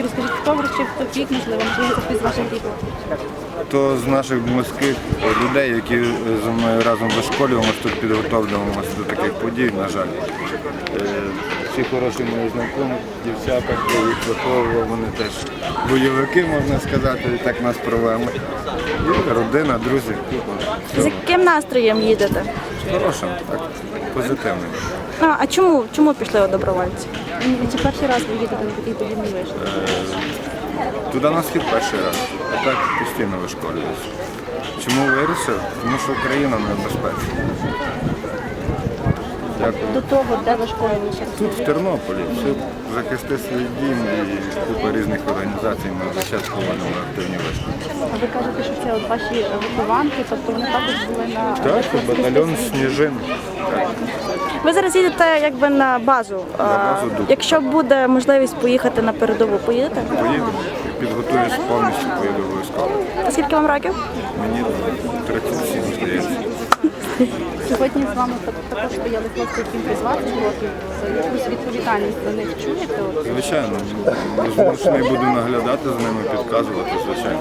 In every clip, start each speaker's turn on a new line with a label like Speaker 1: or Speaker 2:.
Speaker 1: Розкажіть, хто вручив торік, можливо, хтось з ваших рідних?
Speaker 2: То з наших близьких людей, які зі мною разом вишколюємося, тут підготовлюємося до таких подій, на жаль. Всі хороші мої знайомі, дівчата, хто їх виховував, вони теж бойовики, можна сказати, і так нас провели. І родина, друзі.
Speaker 1: З яким настроєм їдете?
Speaker 2: Хорошим, так, позитивним.
Speaker 1: А чому пішли у добровольці? Чи перший раз ви їдете на такий подібний вишкіл?
Speaker 2: Туди на схід перший раз, а так постійно вишколююся. Чому вирішив? Тому що Україна небезпечна. Дякую.
Speaker 1: До того, де ви школилися?
Speaker 2: Тут, в Тернополі, все захисти свій дім і купа різних організацій, ми весь час проводимо активні вишколи.
Speaker 1: А ви кажете, що це от ваші вихованки, тобто вони також були на...
Speaker 2: Так, батальйон «Сніжин». Так.
Speaker 1: Ви зараз їдете якби на базу.
Speaker 2: базу Дуб.
Speaker 1: Якщо буде можливість поїхати на передову, поїдете?
Speaker 2: Поїду, підготуюсь повністю, поїду обов'язково.
Speaker 1: А скільки вам років?
Speaker 2: Мені 37, здається.
Speaker 1: Сьогодні з вами також стояли хлопці, яким по 20 років. Якусь відповідальність за них чуєте?
Speaker 2: Звичайно, змушений буду наглядати за ними, підказувати, звичайно.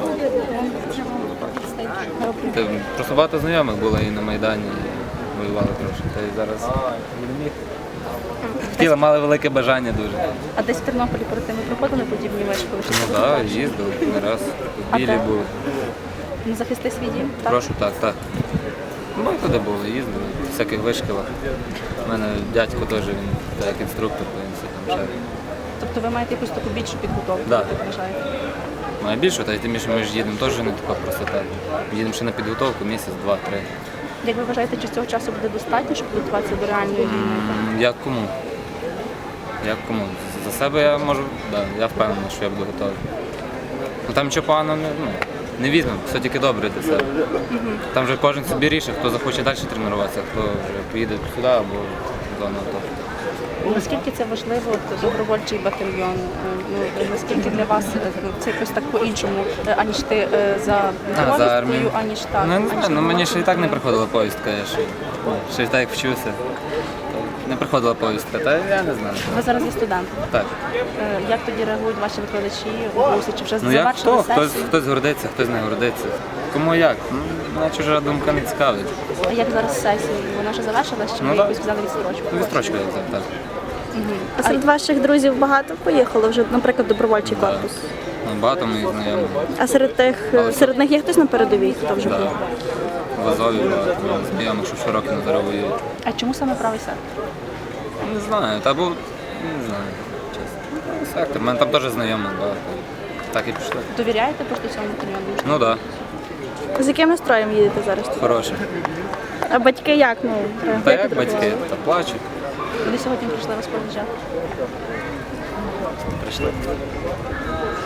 Speaker 3: Просто багато знайомих було і на Майдані, і воювали трошки. Та й зараз не міг. Хотіли, мали велике бажання дуже.
Speaker 1: А десь в Тернополі перед тим ви проходили подібні вишколи? Чи
Speaker 3: Ну
Speaker 1: це
Speaker 3: так,
Speaker 1: вперше?
Speaker 3: їздили не раз.
Speaker 1: А
Speaker 3: В Білі
Speaker 1: де?
Speaker 3: були.
Speaker 1: Не захисти свій дім? Так?
Speaker 3: Прошу, так. Ну, туди були, їздили, в всяких вишколах. У мене дядько теж, він так, як інструктор, він все там ще.
Speaker 1: Тобто ви маєте якусь таку більшу підготовку,
Speaker 3: Да.
Speaker 1: як ви вважаєте?
Speaker 3: Має більше, та й тим більше ми ж їдемо теж не така простота. Їдемо ще на підготовку місяць, два-три.
Speaker 1: Як ви вважаєте, чи цього часу буде достатньо, щоб готуватися до реальної війни?
Speaker 3: Як кому? Як кому? За себе я можу, я впевнений, що я буду готовий. Ну там нічого поганого не візьмемо, все тільки добре для себе. Там вже кожен собі рішить, хто захоче далі тренуватися, хто вже поїде сюди або в зону АТО.
Speaker 1: Наскільки це важливо, от, добровольчий батальйон? Наскільки для вас це якось так по-іншому, аніж ти за
Speaker 3: за армію.
Speaker 1: повісткою, аніж так?
Speaker 3: Ну, не
Speaker 1: аніж
Speaker 3: знаю, ну мені ще і так не
Speaker 1: на
Speaker 3: приходила повістка, я ще й так як вчився. Не приходила повістка, та я не знаю.
Speaker 1: Ви зараз є студент.
Speaker 3: Так.
Speaker 1: Як тоді реагують ваші викладачі у курсі? Чи вже
Speaker 3: Ну як
Speaker 1: завершили
Speaker 3: хто?
Speaker 1: сесію?
Speaker 3: Хтось гордиться, хтось не гордиться. Кому як? Ну, мене чужа думка не цікавить.
Speaker 1: А як зараз сесія? Вона вже завершилась, чи
Speaker 3: Ну,
Speaker 1: ви
Speaker 3: да.
Speaker 1: якусь взяли відстрочку?
Speaker 3: Відстрочка я взяв, так.
Speaker 1: А серед ваших друзів багато поїхало вже, наприклад, добровольчий
Speaker 3: Да.
Speaker 1: корпус?
Speaker 3: Ну, багато моїх знайомих.
Speaker 1: А серед них є хтось на передовій, хто вже
Speaker 3: Да.
Speaker 1: був?
Speaker 3: В Азові багато знайомих, що щороку на зараз воюють.
Speaker 1: А чому саме правий сектор?
Speaker 3: Не знаю, та був, не знаю, чесно. Сектор, в мене там теж знайомих багато. Так і пішло.
Speaker 1: Довіряєте просто цьому батальйону?
Speaker 3: Ну так,
Speaker 1: З яким настроєм їдете зараз?
Speaker 3: хороше.
Speaker 1: А батьки як? Ну,
Speaker 3: Та як батьки, та плачуть.
Speaker 1: Вони сьогодні прийшли вас проведжати.
Speaker 3: Прийшли.